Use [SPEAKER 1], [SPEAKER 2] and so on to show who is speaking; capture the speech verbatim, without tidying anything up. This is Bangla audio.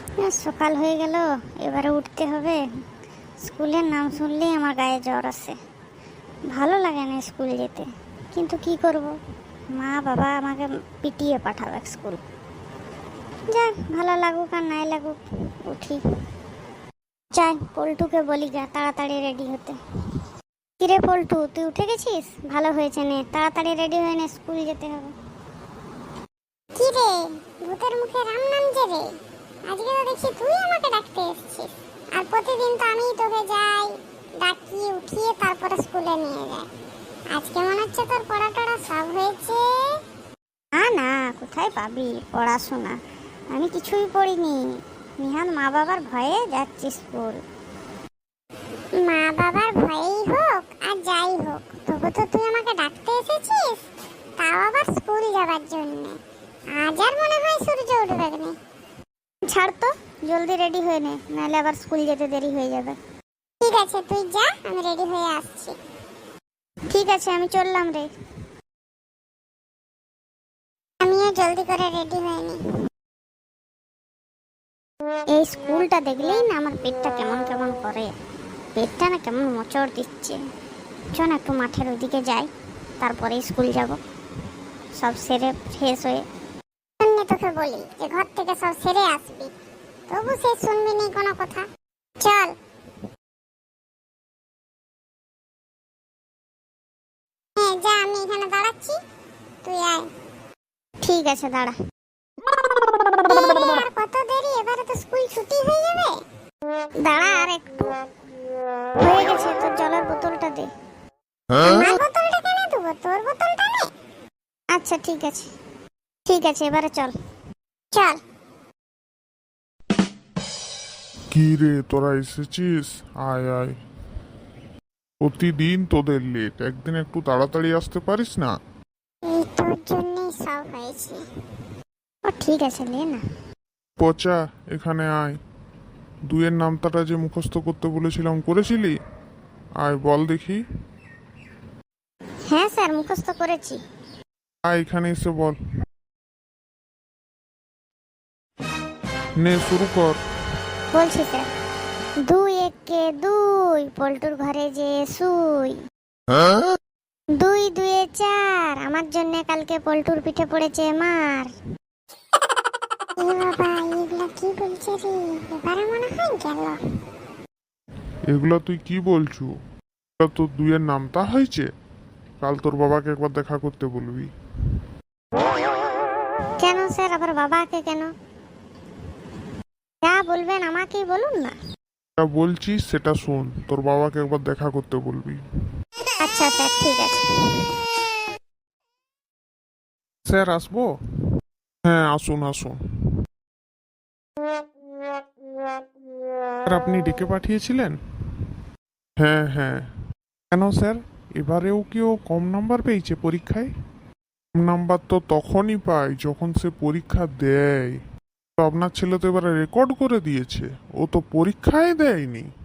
[SPEAKER 1] সকাল হয়ে গেল, এবারে উঠতে হবে। স্কুলের নাম শুনলেই আমার গায়ে জ্বর আসে, ভালো লাগে না স্কুল যেতে। কিন্তু কি করব, মা বাবা আমাকে পিটিয়ে পাঠাবে স্কুল। যাক, ভালো লাগুক আর নাই লাগুক, উঠি। যাই, পল্টুকে বলি গা তাড়াতাড়ি রেডি হতে। কিরে পল্টু, তুই উঠে গেছিস? ভালো হয়েছে, নে তাড়াতাড়ি রেডি হয়ে নে, স্কুল যেতে হবে।
[SPEAKER 2] কি রে, ভূতের মুখে রাম নাম যে রে, আজকে তো দেখছি তুই আমাকে ডাকতে এসেছিস। আর প্রতিদিন তো আমি তোকে যাই ডাকি, উঠিয়ে তারপরে স্কুলে নিয়ে যাই। আজকে মনে হচ্ছে তোর পড়া টড়া সব হয়েছে।
[SPEAKER 1] না না, কোথায় পাবি পড়াশোনা, আমি কিছুই পড়িনি। নিহান মা বাবার ভয়ে যাচ্ছি স্কুল।
[SPEAKER 2] মা বাবার ভয়েই হোক আর যাই হোক, তবু তো তুই আমাকে ডাকতে এসেছিস, তাও আবার স্কুল যাবার জন্য। আজ আর মনে হয় সূর্য উঠবে না।
[SPEAKER 1] ছাড় তো, জলদি রেডি হয়ে নে, নাহলে আবার স্কুল যেতে দেরি হয়ে যাবে।
[SPEAKER 2] ঠিক আছে, তুই যা, আমি রেডি হয়ে আসছি।
[SPEAKER 1] ঠিক আছে, আমি চললাম রে।
[SPEAKER 2] আমিও জলদি করে রেডি হয়ে নি।
[SPEAKER 1] এই স্কুলটা দেখলেই না আমার পেটটা কেমন কেমন করে, পেটটা না কেমন মোচড় দিচ্ছে। চল একটু মাঠের ওইদিকে যাই, তারপরে স্কুল যাব, সব সেরে ফ্রেশ হয়ে।
[SPEAKER 2] তোকে বলি যে ঘর থেকে সব সেরে আসবি, তবু সে শুনবি নি কোনো কথা। চল। হ্যাঁ যা, আমি এখানে দাঁড়াচ্ছি, তুই আয়।
[SPEAKER 1] ঠিক আছে, দাঁড়া।
[SPEAKER 2] আর কত দেরি, এবারে তো স্কুল ছুটি হয়ে যাবে।
[SPEAKER 1] দাঁড়া আর একটু, হয়ে গেছে। তোর জলের বোতলটা দে।
[SPEAKER 2] আমার বোতলটা কেন দেবো, তোর বোতলটা নে।
[SPEAKER 1] আচ্ছা ঠিক আছে, ঠিক আছে, এবারে চল।
[SPEAKER 2] চল।
[SPEAKER 3] কি রে, তোরা এসেছিস? আয় আয়। প্রতিদিন তোদের লেট, একদিন একটু তাড়াতাড়ি আসতে পারিস না?
[SPEAKER 2] এই তোর জন্যই সব হয়েছে।
[SPEAKER 1] ও ঠিক আছে, নে না।
[SPEAKER 3] পচা, এখানে আয়। দুইয়ের নামতাটা যে মুখস্থ করতে বলেছিলাম, করেছিলি? আয় বল দেখি।
[SPEAKER 1] হ্যাঁ স্যার, মুখস্থ করেছি।
[SPEAKER 3] আয় এখানে এসে বল। নে শুরু কর।
[SPEAKER 1] বলছি স্যার, দুই একে দুই, পল্টুর ঘরে যে শুই। দুই দুয়ে চার, আমার জন্য কালকে পল্টুর পিঠে পড়েছে মার।
[SPEAKER 2] এ বাবা, এগুলা কি বলছে রে, এবারে মনে হয় গেল।
[SPEAKER 3] এগুলা তুই কি বলছু? এটা তোর দুইয়ের নামতা হয়েছে? কাল তোর বাবাকে একবার দেখা করতে বলবি।
[SPEAKER 1] কেন স্যার, আবার বাবাকে কেন? যা বলবেন আমাকেই বলুন না।
[SPEAKER 3] যা বলছিস সেটা শোন, তোর বাবাকে একবার দেখা করতে বলবি।
[SPEAKER 1] আচ্ছা স্যার, ঠিক আছে।
[SPEAKER 3] স্যার আসবো? হ্যাঁ আসুন আসুন। স্যার আপনি ডেকে পাঠিয়েছিলেন? হ্যাঁ হ্যাঁ। কেন স্যার, এবারেও কি ও কম নাম্বার পেয়েছে পরীক্ষায়? কম নাম্বার তো তখনই পায় যখন সে পরীক্ষা দেয়। তো আপনার ছেলে তো এবারে রেকর্ড করে দিয়েছে, ও তো পরীক্ষায় দেয়নি।